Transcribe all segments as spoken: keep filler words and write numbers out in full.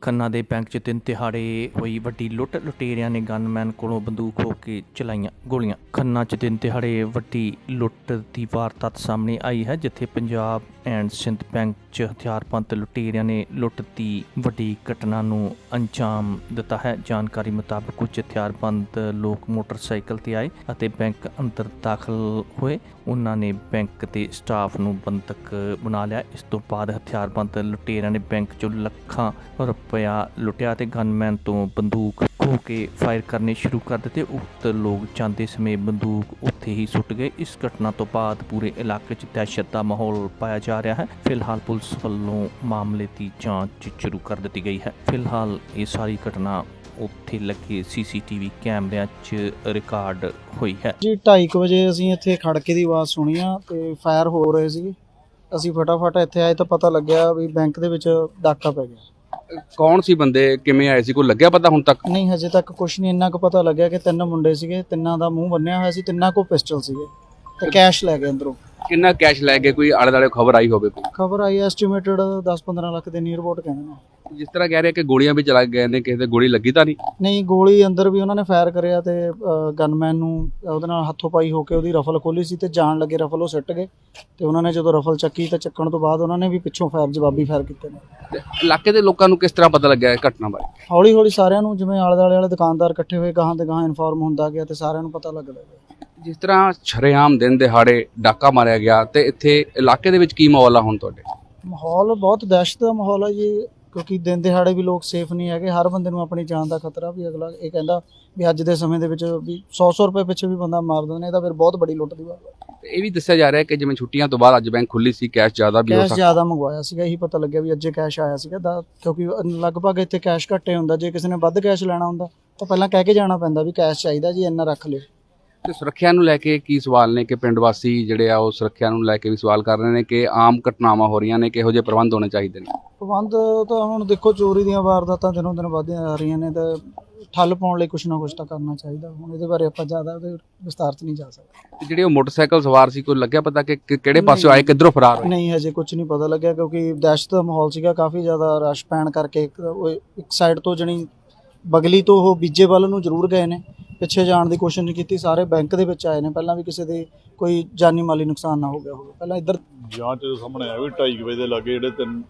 खन्ना दे bank च दिन दिहाड़े होई वड्डी लुੱਟ लुटेरियां ने गनमैन कोलों बंदूक खो के चलाईਆਂ गोलियां। खन्ना च दिन दिहाड़े वड्डी लुੱਟ ਦੀ ਵਾਰਦਾਤ ਸਾਹਮਣੇ ਆਈ ਹੈ ਜਿੱਥੇ ਪੰਜਾਬ ਐਂਡ ਸਿੰਧ ਬੈਂਕ 'ਚ ਹਥਿਆਰਬੰਦ ਲੁਟੇਰਿਆਂ ਨੇ ਲੁੱਟ ਦੀ ਵੱਡੀ ਘਟਨਾ ਨੂੰ ਅੰਜਾਮ ਦਿੱਤਾ ਹੈ। ਜਾਣਕਾਰੀ ਮੁਤਾਬਕ ਕੁਝ ਹਥਿਆਰਬੰਦ ਲੋਕ ਮੋਟਰਸਾਈਕਲ ਤੇ ਆਏ ਅਤੇ ਬੈਂਕ ਅੰਦਰ ਦਾਖਲ ਹੋਏ। ਉਹਨਾਂ ਨੇ ਬੈਂਕ ਦੇ ਸਟਾਫ ਨੂੰ ਬੰਦਕ ਬਣਾ ਲਿਆ। ਇਸ ਤੋਂ ਬਾਅਦ ਹਥਿਆਰਬੰਦ ਲੁਟੇਰਿਆਂ ਨੇ ਬੈਂਕ 'ਚੋਂ ਲੱਖਾਂ ਰੁਪਇਆ ਲੁੱਟਿਆ ਤੇ ਗਨਮੈਨ ਤੋਂ ਬੰਦੂਕ ਖੋਹ ਕੇ ਫਾਇਰ ਕਰਨੇ ਸ਼ੁਰੂ ਕਰ ਦਿੱਤੇ। ਉਕਤ ਲੋਕ ਜਾਂਦੇ ਸਮੇਂ ਬੰਦੂਕ ਉੱਥੇ ਹੀ ਸੁੱਟ ਗਏ। ਇਸ ਘਟਨਾ ਤੋਂ ਬਾਅਦ ਪੂਰੇ ਇਲਾਕੇ 'ਚ ਦਹਿਸ਼ਤ ਦਾ ਮਾਹੌਲ ਪਾਇਆ ਜਾ ਰਿਹਾ ਹੈ। ਫਿਲਹਾਲ ਪੁਲਿਸ ਵੱਲੋਂ ਮਾਮਲੇ ਦੀ ਜਾਂਚ ਸ਼ੁਰੂ ਕਰ ਦਿੱਤੀ ਗਈ ਹੈ। ਫਿਲਹਾਲ ਇਹ ਸਾਰੀ ਘਟਨਾ ਉੱਥੇ ਲੱਗੇ ਸੀ ਸੀ ਟੀ ਵੀ ਕੈਮਰਿਆਂ 'ਚ ਰਿਕਾਰਡ ਹੋਈ ਹੈ ਜੀ। ਢਾਈ ਕੁ ਵਜੇ ਅਸੀਂ ਇੱਥੇ ਖੜਕੇ ਦੀ ਆਵਾਜ਼ ਸੁਣੀ ਆ ਤੇ ਫਾਇਰ ਹੋ ਰਹੇ ਸੀ। ਅਸੀਂ ਫਟਾਫਟ ਇੱਥੇ ਆਏ ਤਾਂ ਪਤਾ ਲੱਗਿਆ ਵੀ ਬੈਂਕ ਦੇ ਵਿੱਚ ਡਾਕਾ ਪੈ ਗਿਆ। ਕੌਣ ਸੀ ਬੰਦੇ, ਕਿਵੇਂ ਆਏ ਸੀ, ਕੋਈ ਲੱਗਿਆ ਪਤਾ ਹੁਣ ਤੱਕ? ਨਹੀਂ, ਹਜੇ ਤੱਕ ਕੁਝ ਨਹੀਂ। ਇੰਨਾ ਕੁ ਪਤਾ ਲੱਗਿਆ ਕਿ ਤਿੰਨ ਮੁੰਡੇ ਸੀਗੇ, ਤਿੰਨਾਂ ਦਾ ਮੂੰਹ ਬੰਨਿਆ ਹੋਇਆ ਸੀ, ਤਿੰਨਾਂ ਕੋਲ ਪਿਸਟਲ ਸੀਗੇ ਤੇ ਕੈਸ਼ ਲੈ ਗਏ ਅੰਦਰੋਂ। ਕਿੰਨਾ ਕੈਸ਼ ਲੈ ਗਏ, ਕੋਈ ਆਲੇ ਦੁਆਲੇ ਖਬਰ ਆਈ ਹੋਵੇ? ਕੋਈ ਖਬਰ ਆਈ ਐਸਟੀਮੇਟਡ ਦਸ ਪੰਦਰਾਂ ਲੱਖ ਦੇ ਨੀਅਰ ਅਬਾਊਟ ਕਹਿੰਦੇ ਨੇ। ਜਿਸ ਤਰ੍ਹਾਂ ਕਹਿ ਰਹੇ ਕਿ ਗੋਲੀਆਂ ਵੀ ਚਲਾ ਗਏ ਨੇ, ਕਿਸੇ ਤੇ ਗੋਲੀ ਲੱਗੀ ਤਾਂ ਨਹੀਂ? ਨਹੀਂ, ਗੋਲੀ ਅੰਦਰ ਵੀ ਉਹਨਾਂ ਨੇ ਫਾਇਰ ਕਰਿਆ ਤੇ ਗਨਮੈਨ ਨੂੰ ਉਹਦੇ ਨਾਲ ਹੱਥੋਂ ਪਾਈ ਹੋ ਕੇ ਉਹਦੀ ਰਫਲ ਖੋਲੀ ਸੀ ਤੇ ਜਾਣ ਲੱਗੇ ਰਫਲ ਉਹ ਸਿੱਟ ਗਏ ਤੇ ਉਹਨਾਂ ਨੇ ਜਦੋਂ ਰਫਲ ਚੱਕੀ ਤਾਂ ਚੱਕਣ ਤੋਂ ਬਾਅਦ ਉਹਨਾਂ ਨੇ ਵੀ ਪਿੱਛੋਂ ਫਾਇਰ ਜਵਾਬੀ ਫਾਇਰ ਕੀਤੇ ਨੇ। ਤੇ ਇਲਾਕੇ ਦੇ ਲੋਕਾਂ ਨੂੰ ਕਿਸ ਤਰ੍ਹਾਂ ਪਤਾ ਲੱਗਿਆ ਇਹ ਘਟਨਾ ਬਾਰੇ? ਹੌਲੀ ਹੌਲੀ ਸਾਰਿਆਂ ਨੂੰ, ਜਿਵੇਂ ਆਲੇ ਦੁਆਲੇ ਵਾਲੇ ਦੁਕਾਨਦਾਰ ਇਕੱਠੇ ਹੋਏ, ਗਾਹਾਂ ਤੇ ਗਾਹਾਂ ਇਨਫੋਰਮ ਹੁੰਦਾ ਗਿਆ ਤੇ ਸਾਰਿਆਂ ਨੂੰ ਪਤਾ ਲੱਗਦਾ ਗਿਆ। ਜਿਸ ਤਰ੍ਹਾਂ ਸ਼ਰੇਆਮ ਦਿਨ ਦਿਹਾੜੇ ਡਾਕਾ ਮਾਰਿਆ ਗਿਆ ਤੇ ਇੱਥੇ ਇਲਾਕੇ ਦੇ ਵਿੱਚ ਕੀ ਮਾਹੌਲ ਆ ਹੁਣ ਤੁਹਾਡੇ? ਮਾਹੌਲ ਬਹੁਤ ਦਹਿਸ਼ਤ ਦਾ ਮਾਹੌਲ ਹੈ ਜੀ, ਕਿਉਂਕਿ ਦਿਨ ਦਿਹਾੜੇ ਵੀ ਲੋਕ ਸੇਫ ਨਹੀਂ ਹੈਗੇ। ਹਰ ਬੰਦੇ ਨੂੰ ਆਪਣੀ ਜਾਨ ਦਾ ਖਤਰਾ ਵੀ। ਅਗਲਾ ਇਹ ਕਹਿੰਦਾ ਵੀ ਅੱਜ ਦੇ ਸਮੇਂ ਦੇ ਵਿੱਚ ਵੀ ਸੌ ਸੌ ਰੁਪਏ ਪਿੱਛੇ ਵੀ ਬੰਦਾ ਮਾਰ ਦਿੰਦੇ ਨੇ, ਇਹ ਤਾਂ ਫਿਰ ਬਹੁਤ ਬੜੀ ਲੁੱਟ ਦੀ ਬਾਤ ਹੈ। ਇਹ ਵੀ ਦੱਸਿਆ ਜਾ ਰਿਹਾ ਕਿ ਜਿਵੇਂ ਛੁੱਟੀਆਂ ਤੋਂ ਬਾਅਦ ਅੱਜ ਬੈਂਕ ਖੁੱਲੀ ਸੀ, ਕੈਸ਼ ਜ਼ਿਆਦਾ ਵੀ ਹੋ ਕੈਸ਼ ਸਕਦਾ। ਜ਼ਿਆਦਾ ਮੰਗਵਾਇਆ ਸੀਗਾ, ਇਹੀ ਪਤਾ ਲੱਗਿਆ ਵੀ ਅੱਜੇ ਕੈਸ਼ ਆਇਆ ਸੀਗਾ ਦਾ, ਕਿਉਂਕਿ ਲਗਭਗ ਇੱਥੇ ਕੈਸ਼ ਘੱਟੇ ਹੁੰਦਾ। ਜੇ ਕਿਸੇ ਨੇ ਵੱਧ ਕੈਸ਼ ਲੈਣਾ ਹੁੰਦਾ ਤਾਂ ਪਹਿਲਾਂ ਕਹਿ ਕੇ ਜਾਣਾ ਪੈਂਦਾ ਵੀ ਕੈਸ਼ ਚਾਹੀਦਾ ਜੀ, ਇੰਨਾ ਰੱਖ ਲਿਓ। ਤੇ ਸੁਰੱਖਿਆ ਨੂੰ ਲੈ ਕੇ ਕੀ ਸਵਾਲ ਨੇ ਕਿ ਪਿੰਡ ਵਾਸੀ ਜਿਹੜੇ ਆ ਉਹ ਸੁਰੱਖਿਆ ਨੂੰ ਲੈ ਕੇ ਵੀ ਸਵਾਲ ਕਰ ਰਹੇ ਨੇ ਕਿ ਆਮ ਘਟਨਾਵਾਂ ਹੋ ਰਹੀਆਂ ਨੇ, ਕਿਹੋ ਜਿਹੇ ਪ੍ਰਬੰਧ ਹੋਣੇ ਚਾਹੀਦੇ ਨੇ? ਪ੍ਰਬੰਧ ਤਾਂ ਹੁਣ ਦੇਖੋ, ਚੋਰੀ ਦੀਆਂ ਵਾਰਦਾਤਾਂ ਦਿਨੋਂ ਦਿਨ ਵੱਧਦੀਆਂ ਜਾ ਰਹੀਆਂ ਨੇ ਤਾਂ ਠੱਲ ਪਾਉਣ ਲਈ ਕੁਛ ਨਾ ਕੁਛ ਤਾਂ ਕਰਨਾ ਚਾਹੀਦਾ। ਹੁਣ ਇਹਦੇ ਬਾਰੇ ਆਪਾਂ ਜ਼ਿਆਦਾ ਉਹਦੇ ਵਿਸਤਾਰ 'ਚ ਨਹੀਂ ਜਾ ਸਕਦੇ। ਤੇ ਜਿਹੜੇ ਉਹ ਮੋਟਰਸਾਈਕਲ ਸਵਾਰ ਸੀ, ਕੋਈ ਲੱਗਿਆ ਪਤਾ ਕਿ ਕਿ- ਕਿਹੜੇ ਪਾਸਿਓਂ ਆਏ, ਕਿੱਧਰੋਂ ਫਰਾਰ ਹੋਏ? ਨਹੀਂ, ਹਜੇ ਕੁਝ ਨਹੀਂ ਪਤਾ ਲੱਗਿਆ ਕਿਉਂਕਿ ਦਹਿਸ਼ਤ ਦਾ ਮਾਹੌਲ ਸੀਗਾ, ਕਾਫੀ ਜ਼ਿਆਦਾ ਰਸ਼ ਪੈਣ ਕਰਕੇ। ਇੱਕ ਉਹ ਇੱਕ ਸਾਈਡ ਤੋਂ ਜਣੀ ਬਗਲੀ ਤੋਂ ਉਹ ਬੀਜੇ ਵੱਲ ਨੂੰ ਜ਼ਰੂਰ ਗਏ ਨੇ, ਪਿੱਛੇ ਜਾਣ ਦੀ ਕੋਸ਼ਿਸ਼ ਨਹੀਂ ਕੀਤੀ। ਸਾਰੇ ਬੈਂਕ ਦੇ ਵਿੱਚ ਆਏ ਨੇ, ਪਹਿਲਾਂ ਵੀ ਕਿਸੇ ਦੇ ਕੋਈ ਜਾਨੀ ਮਾਲੀ ਨੁਕਸਾਨ ਨਾ ਹੋ ਗਿਆ ਹੋਵੇ। ਪਹਿਲਾਂ ਇੱਧਰ ਜਾਂਚ ਦੇ ਸਾਹਮਣੇ ਆਇਆ ਵੀ ਢਾਈ ਕੁ ਵਜੇ ਦੇ ਲਾਗੇ ਜਿਹੜੇ ਤਿੰਨ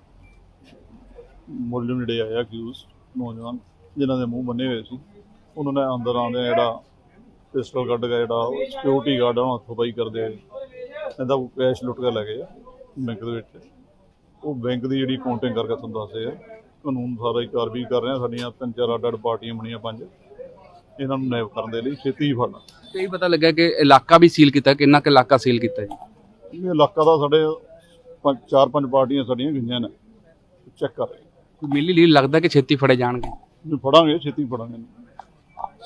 ਮੁਲਜ਼ਮ ਜਿਹੜੇ ਆਏ ਅਕਿਊਜ਼ ਨੌਜਵਾਨ ਜਿਨ੍ਹਾਂ ਦੇ ਮੂੰਹ ਬੰਨੇ ਹੋਏ ਸੀ, ਉਹਨਾਂ ਨੇ ਅੰਦਰ ਆਉਂਦੇ ਜਿਹੜਾ ਪਿਸਟਲ ਕੱਢ ਕੇ ਜਿਹੜਾ ਸਿਕਿਉਰਿਟੀ ਗਾਰਡ ਉਹਨਾਂ ਹੱਥੋਂ ਪਾਈ ਕਰਦੇ ਇਹਦਾ ਕੈਸ਼ ਲੁੱਟ ਕੇ ਲੈ ਗਏ ਆ ਬੈਂਕ ਦੇ ਵਿੱਚ। ਉਹ ਬੈਂਕ ਦੀ ਜਿਹੜੀ ਕਾਊਂਟਿੰਗ ਕਰਕੇ ਤੁਹਾਨੂੰ ਦੱਸਦੇ ਆ, ਕਾਨੂੰਨ ਸਾਰਾ ਹੀ ਕਾਰਵਾਈ ਕਰ ਰਹੇ ਆ। ਸਾਡੀਆਂ ਤਿੰਨ ਚਾਰ ਅੱਡ ਅੱਡ ਪਾਰਟੀਆਂ ਬਣੀਆਂ, ਪੰਜ, ਇਹਨਾਂ ਨੂੰ ਨੈਬ ਕਰਨ ਦੇ ਲਈ ਛੇਤੀ ਹੀ ਫੜਨਾ। ਤੇ ਇਹ ਪਤਾ ਲੱਗਾ ਕਿ ਇਲਾਕਾ ਵੀ ਸੀਲ ਕੀਤਾ, ਕਿੰਨਾ ਕੁ ਇਲਾਕਾ ਸੀਲ ਕੀਤਾ ਜੀ? ਇਹ ਇਲਾਕਾ ਦਾ ਸਾਡੇ ਪੰਜ ਚਾਰ ਪੰਜ ਪਾਰਟੀਆਂ ਸਾਡੀਆਂ ਗਈਆਂ ਨੇ, ਚੈੱਕ ਕਰ ਰਹੇ। ਕੋਈ ਮਿਲੀ ਲੀਡ ਲੱਗਦਾ ਕਿ ਛੇਤੀ ਫੜੇ ਜਾਣਗੇ? ਫੜਾਂਗੇ, ਛੇਤੀ ਫੜਾਂਗੇ।